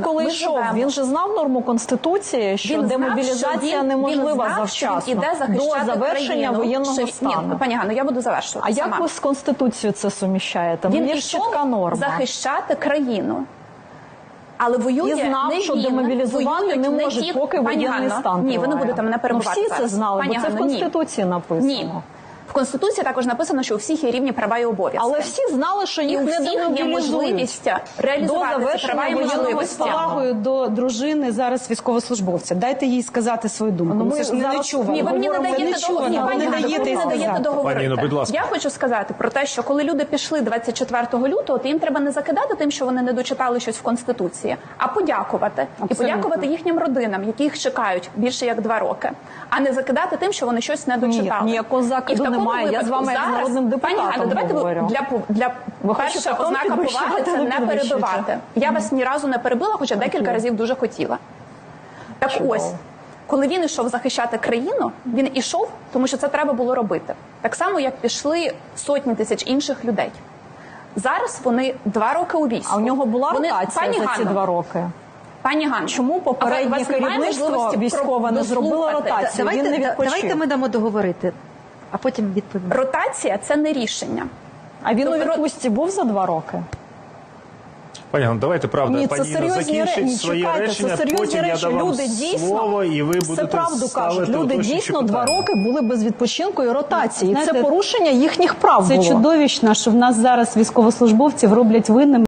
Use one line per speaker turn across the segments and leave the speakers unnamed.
коли йшов, він же знав норму Конституції, що демобілізація неможлива завчасно, до завершення воєнного стану.
Ні, пані Ганно, я буду завершувати.
А як ви з Конституцією це суміщаєте?
Він
є чітка норма.
захищати країну. Але воює
і знав, що демобілізувати не може, поки воєнний стан триває.
Ні, ви не будете мене перебивати.
Всі це знали, бо це в Конституції написано.
Ні. В Конституції також написано, що у всіх є рівні права і обов'язки.
Але всі знали, що їх не демобілізують.
Реалізувати ці права і можливості.
З повагою до дружини зараз військовослужбовця. Дайте їй сказати свою думку. Це ж не чувано.
Ні, ви мені не даєте договорити.
Будь ласка.
Я хочу сказати про те, що коли люди пішли 24 лютого, то їм треба не закидати тим, що вони не дочитали щось в Конституції, а подякувати. І подякувати їхнім родинам, які їх чекають більше як 2 роки. А не закидати тим, що вони щось не дочитали.
Ні, ніякого закиду немає. Я з вами як з народним депутатом говорю.
Для перша ознака поваги – це не перебивати. Я вас ні разу не перебила, хоча декілька разів дуже хотіла. Так ось, коли він йшов захищати країну, він ішов, тому що це треба було робити. Так само, як пішли сотні тисяч інших людей. Зараз вони 2 роки у війську.
А у нього була ротація за ці 2 роки?
Пані Ганно,
чому попереднє керівництво військове не зробило ротацію?
Давайте ми дамо договорити, а потім відповімо.
Ротація – це не рішення.
А він у відпустці був за 2 роки?
Пані Ганно, давайте, правда,
Ні,
пані Інна закінчить своє речення, потім я дам вам слово, і ви будете
правду кажуть.
ставити
Люди
уточнюючі
дійсно 2
питання.
роки були без відпочинку і ротації. Це порушення їхніх прав
було. Це чудовищно, що в нас зараз військовослужбовців роблять винними.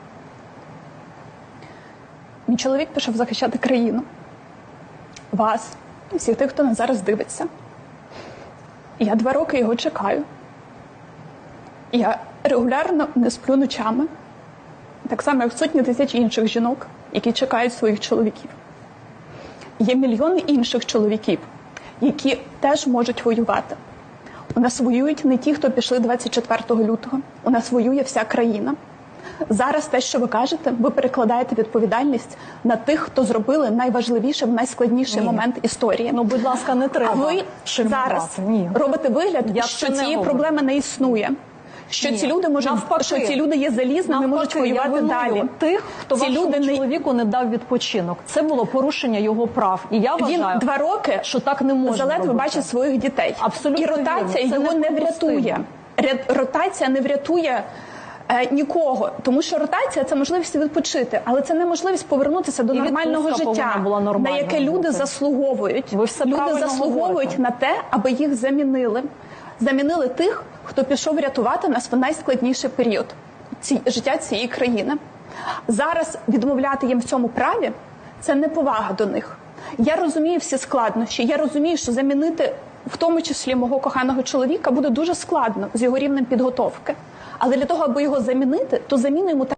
Мій чоловік пішов захищати країну. Вас і всіх тих, хто нас зараз дивиться. І я 2 роки його чекаю. Я регулярно не сплю ночами. Так само, як сотні тисяч інших жінок, які чекають своїх чоловіків. Є мільйони інших чоловіків, які теж можуть воювати. У нас воюють не ті, хто пішли 24 лютого. У нас воює вся країна. Зараз те, що ви кажете, ви перекладаєте відповідальність на тих, хто зробили найважливіший, найскладніший момент історії.
Ну, будь ласка, не треба.
А ви зараз робите вигляд, що цієї проблеми не існує. Що ці люди можуть, що ці люди є залізними, можуть воювати далі.
Тих, хто вашому чоловіку не дав відпочинок. Це було порушення його прав. І я вважаю,
він 2 роки,
що так не можна
заледве бачить своїх дітей.
Абсолютно.
І ротація його не врятує. Ротація не врятує нікого, тому що ротація – це можливість відпочити, але це не можливість повернутися до нормального життя, на яке люди заслуговують. Люди заслуговують на те, аби їх замінили. Замінили тих, хто пішов рятувати нас в найскладніший період життя цієї країни. Зараз відмовляти їм в цьому праві – це неповага до них. Я розумію всі складнощі, я розумію, що замінити, в тому числі мого коханого чоловіка, буде дуже складно з його рівнем підготовки. Але для того, аби його замінити, то заміну йому